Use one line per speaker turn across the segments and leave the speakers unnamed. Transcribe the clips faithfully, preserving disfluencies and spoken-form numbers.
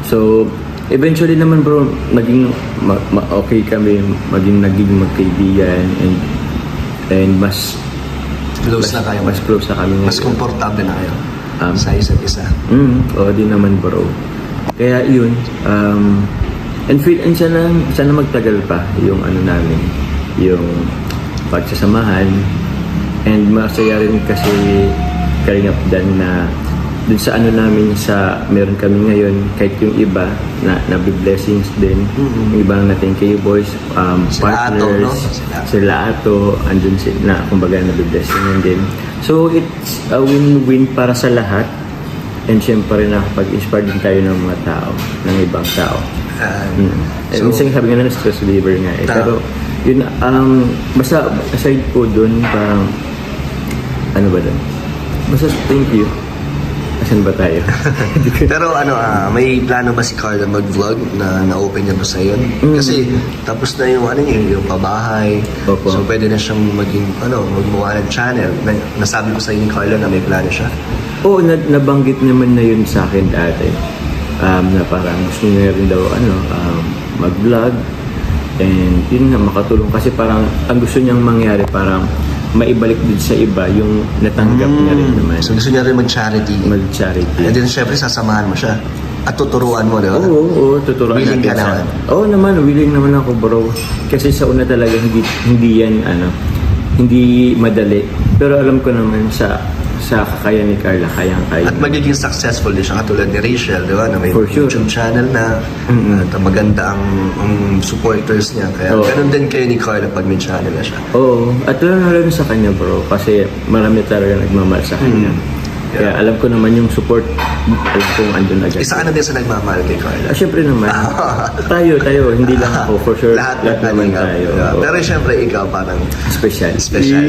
So, eventually naman bro, naging ma- ma- okay kami, maging naging magkaibigan and and mas
Close na kayo.
mas close na kami
Mas
ngayon.
komportable na kayo
Um,
sa isa't isa.
Mm, oo din naman bro. Kaya yun, um, and feel, and sana, sana magtagal pa yung ano namin, yung pagsasamahan. And masaya rin kasi Kalingap Dan na dun sa ano namin sa meron kami ngayon, kahit yung iba na nabi-blessings din.
Mm-hmm.
Yung iba na thank you boys, um,
Sila Ato,
partners,
no? Sila.
sila Ato, andun si, na kumbaga nabi-blessing din. So it's a win-win para sa lahat. And syempre nakapag-inspire din tayo ng mga tao, ng ibang tao.
Uh,
Mm. Eh,
so,
minsan sabi nga na stress reliever nga eh.
Ta-
Pero yun, um, basta aside po dun, parang ano ba dun? Basta thank you. Asan ba tayo?
pero ano, ah, may plano ba si Carla mag-vlog na na-open niya ba sa yun?
Mm.
Kasi tapos na yung ano niya, yung pabahay.
Opo.
So pwede na siyang maging, ano, magmukha ng channel. Na, nasabi ko sa inyo ni Carla na may plano siya.
Oo, na, nabanggit naman na yun sa akin dati. Um, na parang gusto niya rin daw ano, um, mag-vlog. And yun nga, makatulong. Kasi parang ang gusto niyang mangyari, parang maibalik din sa iba yung natanggap niya rin naman.
So gusto niya rin mag-charity.
Mag-charity.
And then syempre sasamahan mo siya. At tuturuan mo, di ba?
Oo, oo, tuturuan
Willing
natin
ka
siya.
naman?
Oo naman, willing naman ako bro. Kasi sa una talaga hindi hindi yan ano, hindi madali. Pero alam ko naman sa sa kakayahan ni Carla, kayang-kaya.
At magiging successful din siya katulad ni Rachel, di ba? Na may
For sure.
YouTube channel na
Mm-mm.
at maganda ang, ang supporters niya. Kaya
Oo.
ganun din kayo ni Carla pag may channel na siya.
Oo, at lalo na rin sa kanya bro, kasi marami talaga nagmamahal sa kanya.
Mm.
Kaya
Yeah.
alam ko naman yung support, alam kong andun agad.
Isa ka na din sa nagmamahal kay Carla.
Ah, syempre naman. tayo, tayo, hindi lang ako, for sure.
Lahat,
lahat naman
Kalingap.
tayo.
Yeah.
Oo.
Pero syempre ikaw parang
Special.
special.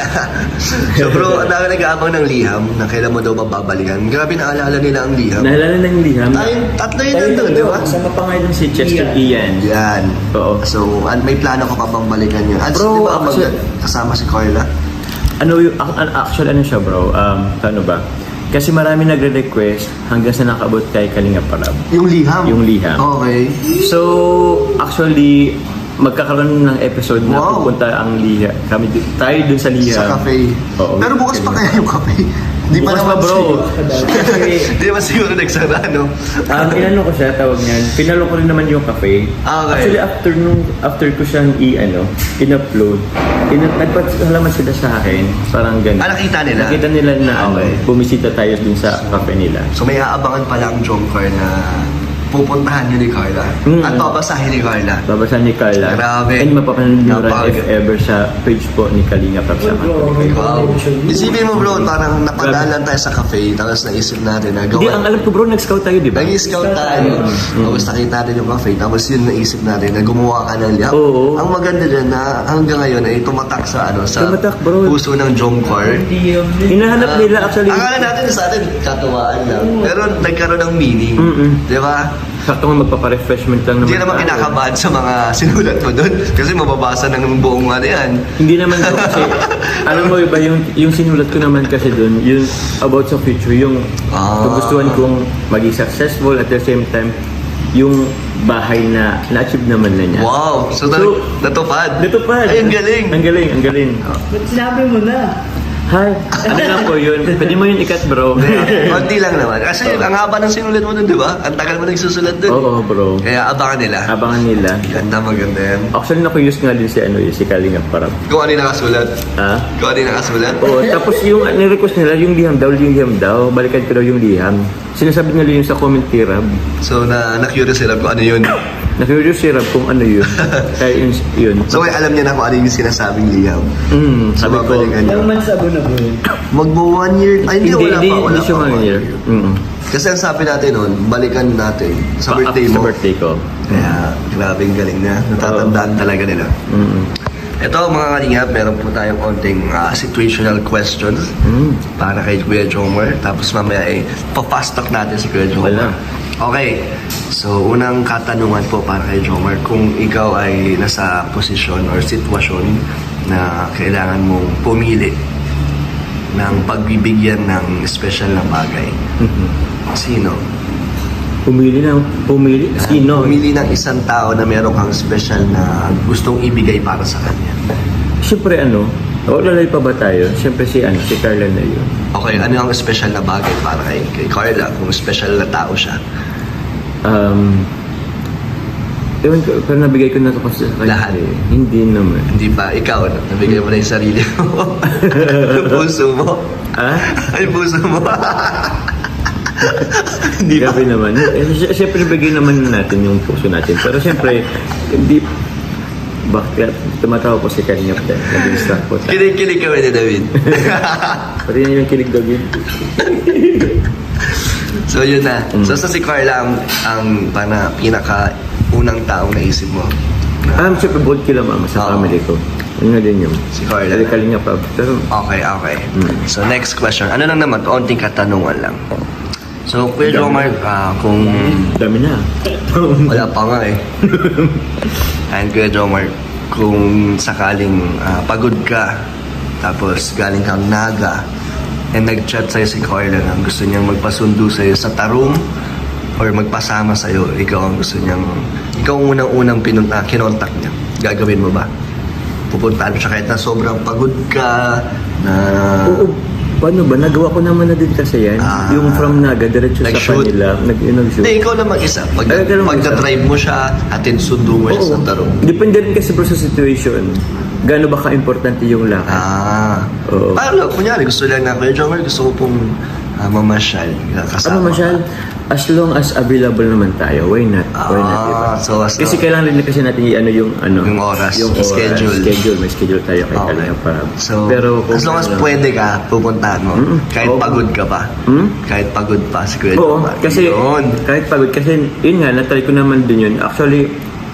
So bro, ang dami nag-aabang ng liham na kailan mo daw babalikan. Grabe naalala nila ang liham.
Naalala na yung liham.
Tayong tatlo yun
Tayo
nandun, di ba?
Kasama pa nga dun si Chester Ian.
Yan.
Oo.
So, an- may plano ka pa bang balikan yun? At
Bro,
di ba mag-
actually-
kasama si Carla?
Ano yung, ang- ang- actually ano siya bro, um, ano ba? Kasi marami nagre-request hanggang sa nakabot kay Kalingap Parab.
Yung liham?
Yung liham.
Okay.
So, actually, magkakaroon ng episode na
Wow.
pupunta ang liha. Kami, dun- tayo dun sa liha.
Sa cafe.
Oo.
Pero bukas pa kaya yung cafe? Di pa
Bukas
naman
pa, bro.
siguro. Di ba siguro nagsara, no?
Um, inano ko siya, tawag niyan. Pinalo ko rin naman yung cafe.
Ah, okay.
Actually, after nung, after ko siyang i-ano, in-upload, in nagpasalamat sila sa akin. Parang ganun.
Ah, nakita nila?
Nakita nila na
Okay.
ano, bumisita tayo dun sa cafe nila.
So may aabangan pala ang Jomcar na pupuntahan niyo ni Carla.
Mm.
At babasahin ni Carla.
Babasahin ni Carla.
Grabe.
And mapapanood nyo rin
Napaka-
if ever sa page po ni Kalinga Kapsama.
Wow. Isipin mo bro, parang napadalan tayo sa cafe, tapos naisip natin na
Hindi, ang
gawa.
alam ko bro, nag-scout tayo, di ba?
Nag-scout tayo. Tapos nakita natin yung cafe, tapos yun naisip natin na gumawa ka ng liham.
Oo.
Ang maganda dyan na hanggang ngayon ay tumatak sa ano sa
Tumatak, bro.
puso ng Jomcar.
Hinahanap nila actually.
Akala natin sa atin, katuwaan lang. Pero nagkaroon ng meaning.
Mm-mm.
Di ba?
Sakto nga magpapa-refreshment lang naman.
Hindi naman
tayo.
kinakabahan sa mga sinulat mo doon. Kasi mababasa ng buong ano yan.
Hindi naman bro, kasi alam mo iba yung yung sinulat ko naman kasi doon, yung about sa future, yung
Ah.
gustuhan kong maging successful at the same time yung bahay na na-achieve naman na niya.
Wow! So,
So,
natupad.
Natupad.
Ay, ang galing.
Ang galing, ang galing.
Ba't sinabi mo na?
Hi. Ano lang po yun? Pwede mo yun ikat bro.
Konti lang naman. Kasi ang haba ng sinulat mo doon, di ba? Ang tagal mo nagsusulat doon.
Oo bro.
Kaya abangan nila.
Abangan nila.
Ganda, maganda yan.
Actually, naku-use nga din si ano eh, si Kalinga Parab.
Kung ano yung nakasulat.
Ha?
Kung ano yung nakasulat.
Oo, tapos yung nirequest nila, yung liham daw, yung liham daw, balikan ko daw yung liham. Sinasabi nila yun sa comment kay Rab.
So, na, na-curious sila kung ano yun.
Na-curious si Rab kung ano yun. Kaya yun, yun.
So, ay, alam niya na kung ano yung sinasabing liham.
Mm,
So,
sabi ko,
babalikan niya.
Ilang months ago na bro?
Magbo one year. Ay, hindi,
hindi,
wala
hindi,
pa. Wala
hindi siya
pa,
one year. Mm.
Kasi ang sabi natin noon, balikan natin sa birthday
Sa
mo.
birthday ko.
Kaya, grabing galing na. Natatandaan talaga nila.
Mm.
Ito mga kalingap, meron po tayong konting ah, situational questions
Mm.
para kay Kuya Jomar. Tapos mamaya eh, pa-fast talk natin si Kuya Jomar.
Wala.
Okay, so unang katanungan po para kay Jomar, kung ikaw ay nasa posisyon or sitwasyon na kailangan mong pumili ng pagbibigyan ng special na bagay,
Mhm.
sino?
Pumili na, pumili. Sino?
Pumili ng isang tao na meron kang special na gustong ibigay para sa kanya.
Siyempre ano, o lalay pa ba tayo? Siyempre si ano, si Carla na yun.
Okay, ano ang special na bagay para kay, kay Carla kung special na tao siya?
Um, ewan ko, pero nabigay ko na ito kasi sa kanya.
Lahat?
Eh. Hindi naman.
Hindi pa, ikaw, ano, nabigay mo na yung sarili mo. Yung puso mo.
Ah?
Ay, puso mo. Hindi ba?
Grabe naman. Eh, sy- Siyempre, bigyan naman natin yung puso natin. Pero siyempre, hindi... Bakit tumatawa po si Kanyap dahil nag-distract po tayo.
Kilig-kilig kami ni David.
Pati yan yung kilig David.
So, yun na. So, sa si Carla ang, ang pana, pinaka unang taong naisip mo.
Ah, siyempre, bold kila mama sa
Oo.
family ko. Yun nga din yung...
Si Carla.
Kaling nga pa. Pero,
Okay, okay.
Mm.
So, next question. Ano lang naman, kaunting katanungan lang. So, Kuya Jomar, ah, kung
dami na.
wala pa nga eh. And Kuya Jomar, kung sakaling ah, pagod ka, tapos galing kang Naga, and nag-chat sa'yo si Carla na gusto niyang magpasundo sa'yo sa Tarong or magpasama sa'yo, ikaw ang gusto niyang, ikaw ang unang-unang pinunta, kinontak niya. Gagawin mo ba? Pupuntaan mo siya kahit na sobrang pagod ka, na...
Oo. Paano ba? Nagawa ko naman na din kasi yan.
Ah.
Yung from Naga, diretso sa
Nag-shoot?
kanila. Nag, yung nag-shoot.
Hindi, ikaw lang mag-isa. Pag,
Ay, ikaw lang
pag
mag-isa.
drive mo siya, atin sundo mo siya sa Tarong.
Depende rin kasi bro sa situation. Gaano ba ka-importante yung lakad?
Ah.
Oo.
Paano, kunyari, gusto lang na, Kuya Jomar, gusto ko pong uh, mamasyal. Kasama
Ano masyal? As long as available naman tayo, why not? Why not, diba?
Ah, so, as
Kasi kailangan rin kasi natin i-ano yung ano,
Yung oras,
yung oras,
schedule.
schedule, may schedule tayo kay
Okay.
Kalinga para.
So,
pero kung
as long as
ano-
pwede ka, pupuntahan mo.
Mm-mm.
Kahit
Oo.
pagod ka pa.
Hmm?
Kahit pagod pa si Kuya
Oo,
Jomar.
kasi
Yun.
kahit pagod, kasi yun nga, natry ko naman din yun. Actually,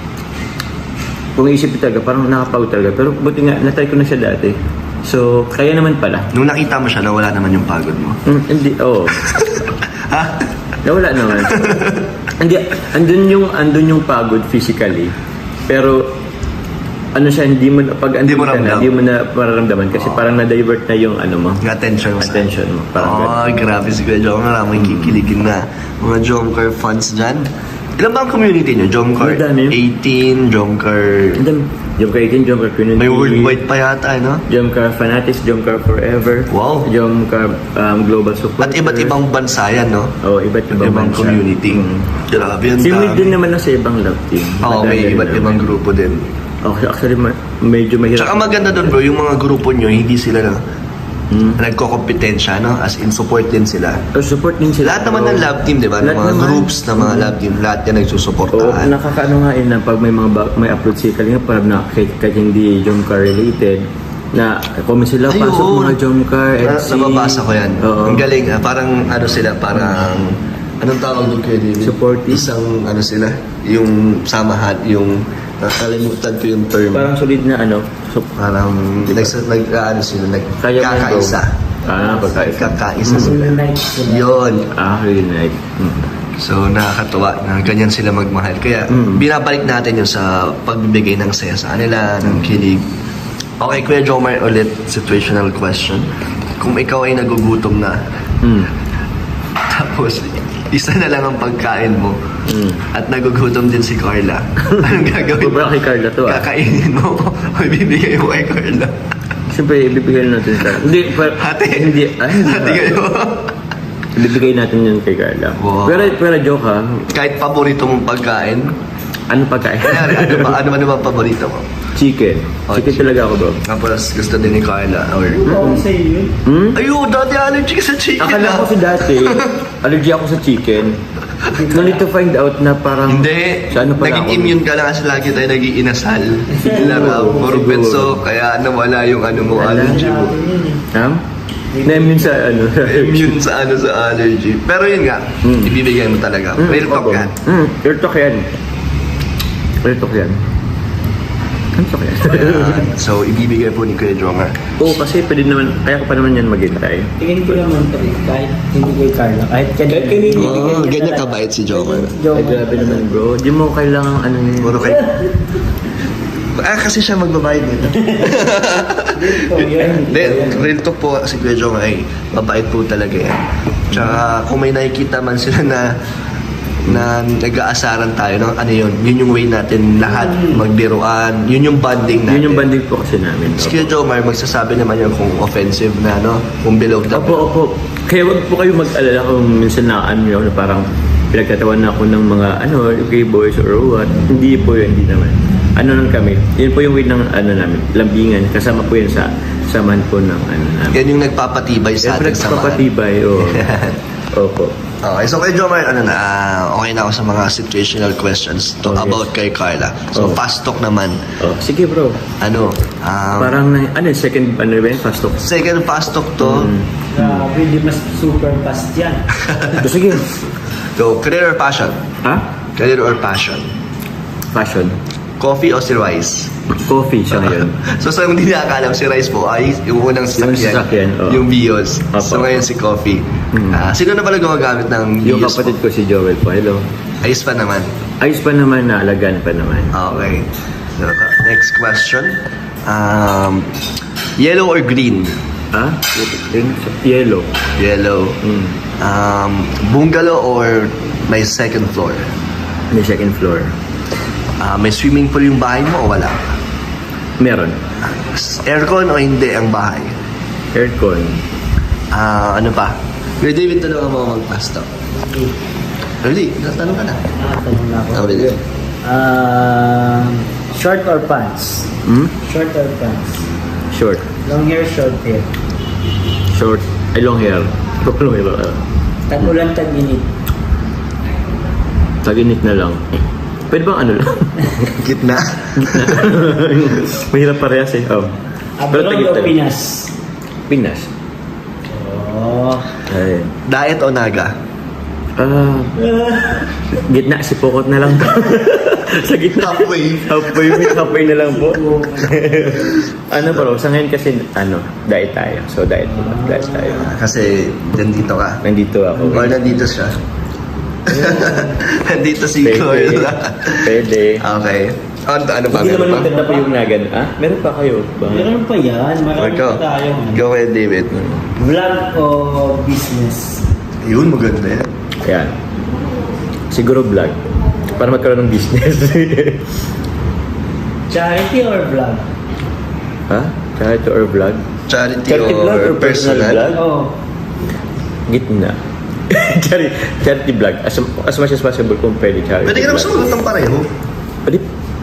kung iisipin talaga, parang nakapagod talaga. Pero buti nga, natry ko na siya dati. So, kaya naman pala.
Nung nakita mo siya, nawala naman yung pagod mo.
Hmm, hindi, oo.
Ha?
Nawala naman. Hindi, andun yung, andun yung pagod physically. Pero, ano siya, hindi mo, na- pag
Hindi
andun
mo
ka na,
ramdam.
hindi mo na mararamdaman. Kasi parang na-divert na yung ano mo.
Yung attention mo sa
Attention mo. Parang
Oh, grabe si Kuya Jomar. Maraming kikiligin na. Mga Jomcar fans dyan. Ilan ba ang community nyo? Jomcar
Madami.
eighteen, Jomcar...
And then, Jomcar eighteen, Jomcar Community.
May worldwide pa yata, no?
Jomcar Fanatics, Jomcar Forever.
Wow.
Jomcar um, Global Support.
At iba't ibang bansa yan, no?
Oh, iba't ibang,
Ibang
bansa.
community.
Mm.
Grabe yun.
Si Will din naman na sa ibang love team.
Oo,
Madami
may
rin
iba't
naman.
ibang grupo din.
Okay, actually, ma- medyo mahirap.
Tsaka maganda doon bro, yung mga grupo nyo, hindi sila na
Mm.
nagko-kompetensya, no? As in, support din sila.
Oh, support din sila.
Lahat naman ng love team, di ba? Ng
Lahat
mga
naman.
groups na mga love team, lahat yan
Oo,
nagsusuportahan.
nakakaano nga yun na pag may mga ba- may upload si Kalinga para na kahit, kahit hindi Jomcar related na comment sila,
Ayun.
pasok mga Jomcar,
Na,
Etsy.
nababasa ko yan.
Oo.
Ang galing, ah, parang ano sila, parang... Anong tawag doon kayo, David?
Supportive.
Isang ano sila, yung samahan, yung... Nakalimutan ko yung term.
Parang solid na ano. So,
Parang nag, nag ano sila,
Kaya mo
nagkakaisa.
yung- Ah, pagkaisa.
Kakaisa sila.
Unite sila.
Yun.
ah, reunite. Mm.
So, nakakatuwa na ganyan sila magmahal. Kaya,
Mm.
binabalik natin yun sa pagbibigay ng saya sa kanila, ng kilig. Okay, Kuya Jomar, ulit, situational question. Kung ikaw ay nagugutom na,
Mm.
tapos isa na lang ang pagkain mo,
Mm.
at nagugutom din si Carla, anong gagawin mo?
Sobra kay Carla to ah.
Kakainin mo o ibibigay mo kay Carla?
Siyempre, ibibigay natin sa... Hindi, par-
Hati?
Hindi, ah, hindi.
Hati
ba?
kayo.
Ibibigay natin yun kay Carla.
Wow.
Pero, pero joke ha,
Kahit paborito mong pagkain,
ano pagkain?
kanyari, ano ba, ano ba naman paborito mo?
Chicken.
Oh,
Chicken
chicken.
talaga ako bro.
Tapos gusto din ni Carla, or...
Oo, sa'yo yun.
Hmm?
Ayun, dati allergic sa chicken.
Akala
ah.
ko si dati, allergy ako sa chicken. No need to find out na parang...
Hindi.
Sa ano pala
Naging
ako?
immune ka lang kasi lagi tayo naging inasal.
Siguro,
Laro, puro
siguro.
petso, kaya nawala yung ano mo,
Wala.
allergy mo.
Ha? Na-immune sa ano?
Immune sa ano, sa allergy. Pero yun nga,
Mm.
ibibigay mo talaga.
Mm,
Real talk
opo.
yan.
Mm, real talk yan. Real talk yan. Real talk yan.
Ayan. So, ibibigay po ni Kuya Jomar.
Oo, kasi pwede naman, kaya ko pa naman yan maghintay.
Tingin ko naman to eh, kahit hindi kay Carla. Kahit kanina. Kahit
Oh, ganyan kabait si Jomar.
Ay, grabe naman bro. Di mo kailangan ano yun.
Puro kay... Ah, kasi siya magbabayad nito. Hindi, real talk po si Kuya Jomar ay mabait po talaga yan. Tsaka kung may nakikita man sila na na nag-aasaran tayo, no? Ano yun? Yun yung way natin lahat magbiruan. Yun yung bonding natin.
Yun yung banding po kasi namin.
Si Kuya Jomar, magsasabi naman yun kung offensive na, no? Kung below the
Opo, opo. Kaya wag po kayo mag-alala kung minsan na-ano nyo na parang pinagtatawan na ako ng mga ano, okay boys or what. Hindi po yun, hindi naman. Ano lang kami. Yun po yung way ng ano namin, lambingan. Kasama po yun sa samahan po ng ano namin.
Yan yung nagpapatibay sa
Siyempre,
ating samahan.
nagpapatibay, oo. Opo.
Okay, so kay Jomar, ano na, ah, okay na ako sa mga situational questions to
Oh, yes.
about kay Carla. So,
Oh.
fast talk naman.
Oh, sige bro.
Ano, um,
Parang, na- ano, second, ano ba yun, fast talk?
second fast talk to,
Grabe, hindi mas super fast yan.
So, sige.
go, career or passion?
Ha?
Career or passion?
Passion.
Coffee o si Rice?
Coffee siya ngayon.
So, sa hindi nakakalam, si Rice po ay yung unang sasakyan,
Yung sasakyan, oo.
yung Vios.
Opo.
So, ngayon si Coffee.
Hmm.
Ah, sino na pala gumagamit ng
Yung
Vios
kapatid
po?
ko si Joel po. Hello.
Ayos pa naman.
Ayos pa naman, naalagaan pa naman.
Okay. So, next question. Um, yellow or green?
Ha? Yung yellow.
Yellow.
Mm.
Um, bungalow or may second floor?
May second floor.
Ah, may swimming pool yung bahay mo o wala?
Meron.
Aircon o hindi ang bahay?
Aircon.
Ah, ano pa? Kuya David, tanong mo mag-pasta. Ready? Tanong ka na.
Ah, tanong na ako.
Oh, really?
Um, short or pants?
Hmm?
Short or pants?
Short.
Long hair, short hair.
Short. Ay, long hair. Long hair. Uh,
Tag-ulan, tag-init.
Taginit na lang. Pwede bang ano lang?
Gitna.
Gitna. Mahirap parehas eh. Oh.
Abroad
tagit
o
na lang.
Pinas?
Pinas.
Oh.
Ay.
Diet o naga?
Ah, gitna, si Pokot na lang. Sa gitna.
Halfway.
Halfway, halfway na lang po. Ano bro, sa ngayon kasi, ano, diet tayo. So, diet po. Diet tayo.
Kasi nandito ka.
Nandito ako.
Or nandito siya. nandito si
Pwede.
Carla.
Pwede.
Okay. Ano, ano ba?
Hindi
Meron
naman
pa?
maganda pa yung nagan. Ah, meron pa kayo. Ba?
Meron pa yan. Marami
Go.
pa tayo.
Go ahead, David.
Vlog o business?
Yun, maganda yan.
Ayan. Siguro vlog. Para magkaroon ng business.
Charity or vlog?
ha? Charity or vlog?
Charity,
Charity
or,
vlog or personal
personal?
vlog?
Oh.
Gitna. charity, charity vlog. As, as much as possible kung pwede charity
Pwede ka naman
vlog.
sumagot ng pareho.
Pwede.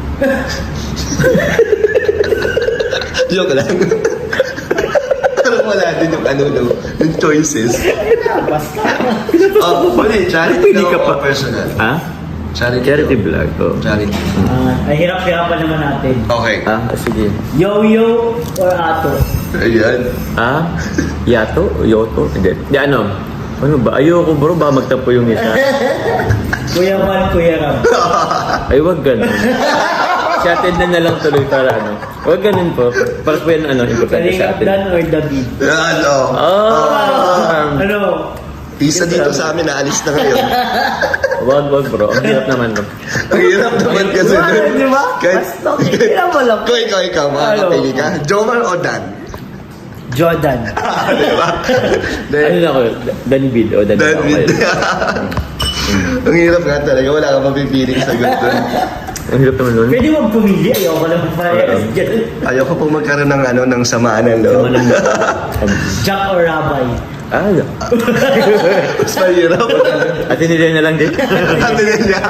Joke lang. Parang wala din yung ano, no, yung choices.
Basta.
Oh, pwede, charity
Pwede
daw
ka pa.
o personal?
Ha?
Charity.
Charity
daw.
vlog. Oh.
Charity.
Ah, ay hirap-hirapan naman natin.
Okay.
Ah, sige.
Yo-yo or ato?
Ayan.
Ah? Yato? Yoto? Hindi. Di ano? Ano ba? Ayoko bro, baka magtampo yung isa.
Kuya Juan, Kuya Ram.
Ay, wag ganun. Chatted na na lang tuloy para ano. Wag ganun po. Para po yan ano, importante sa
Kalingap
atin.
Dan or David?
Yan, oh.
Ah!
Ano?
Isa dito sa amin, naalis na ngayon.
Wag, wag bro. Ang hirap naman. No?
Ang hirap naman kasi.
Diba?
dun.
Di ba?
Kahit,
Basta, kaya mo lang.
kung ikaw, ikaw, makakapili ka. Jomar o Dan?
Jordan.
Di ba?
Ano na ako? Danbid o Danbid.
Dan with... Ang hirap nga talaga. Wala kang mapipiling sagot doon.
Ang hirap naman nun.
Pwede mo pumili. Ayoko lang parehas dyan.
Ayoko pong magkaroon ng ano ng samaan ng loob.
Jack or Rabay?
Ah,
Mas mahirap.
at hindi na lang din.
Ano yan niya?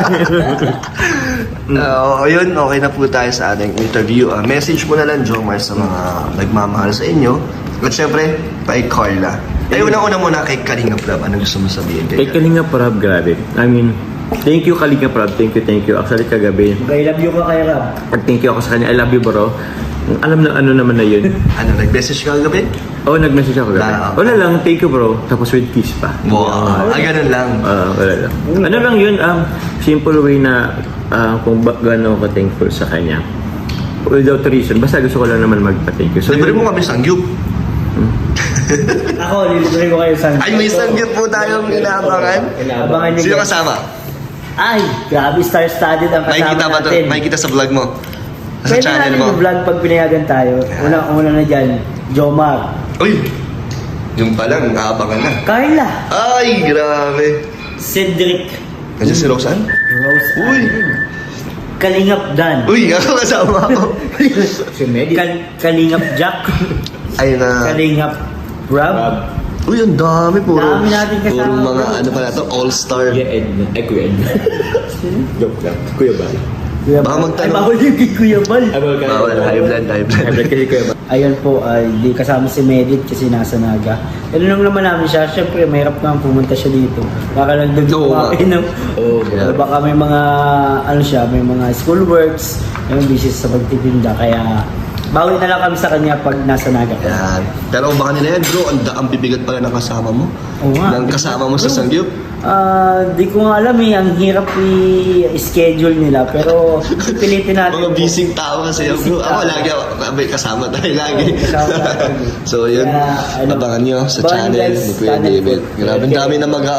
Uh, yun, okay na po tayo sa ating interview. Uh, message mo na lang, Jomar, sa mga nagmamahal sa inyo. At syempre, kay Carla. Eh, unang-una muna kay Kalinga Prab. Ano gusto mo sabihin
Kay
kay
Kalinga Prab, grabe. I mean, thank you Kalinga Prab. Thank you, thank you. Actually, kagabi,
I love you ka kay Ram.
thank you ako sa kanya. I love you bro. Alam na ano naman na yun.
Ano, nag-message ka kagabi?
Oo, oh, nag-message ako kagabi.
Ah, okay.
Wala lang, thank you bro. Tapos with kiss pa.
Wow. Ah, ganun lang.
Ah, wala lang. Ano lang yun, um, simple way na uh, kung ba gano'n ako thankful sa kanya. Without reason. Basta gusto ko lang naman magpa-thank you. So,
Libre
yun-
mo kami sangyup.
Ako, lilibre ko kayo sa...
Ay, may sangyup po tayong inaabangan.
Abangan nyo.
Sino
guys.
kasama?
Ay, grabe, star-studded ang kasama
Makikita ba to?
natin.
Makikita sa vlog mo? Sa
Pwede
channel
natin
mo?
yung vlog pag pinayagan tayo. Una, una na dyan, Jomar.
Uy! Yung pa lang, aabangan na.
Carla.
Ay, grabe.
Cedric.
Kasi si Roseanne?
Rose.
Uy!
Kalingap Dan.
Uy, ako kasama ako.
Si Medi.
Kal- Kalingap Jack.
Ay na.
Kalingap Rob.
Rob.
Uy, ang dami. Puro,
Dami natin kasama,
puro mga
bro.
ano pa na to, all-star.
Kuya Edna. Ay, Kuya Edna. Joke lang. Kuya Bal.
Kuya
Baka
Bal.
magtanong.
Ay, bawal yung kay Kuya Bal.
Ay, bawal ka.
Bawal, high blood, high blood.
High blood kasi Kuya Bal.
Ayun po, ay di kasama si Medit kasi nasa Naga. Ano lang naman namin siya, syempre mahirap naman pumunta siya dito. Baka lang doon
Oo nga.
kumain ng...
Oo.
Yeah.
Baka may mga, ano siya, may mga school works, may busy sa pagtitinda, kaya bawi na lang kami sa kanya pag nasa Naga.
Yan. Pero baka nila yan, bro, ang, ang bibigat pala ng kasama mo.
Oo nga.
Ng kasama mo sa Sangyup.
Ah, di ko nga alam eh, ang hirap i-schedule nila, pero pilitin natin.
Mga
po.
busy tao kasi yun, bro.
Busy
Ako
tao.
lagi, ako, may kasama tayo lagi.
Oo, kasama tayo.
So yun,
Kaya, ano,
abangan nyo sa
abangan
channel
guys,
ni Kuya
channel
David.
po.
Grabe, ang dami na mag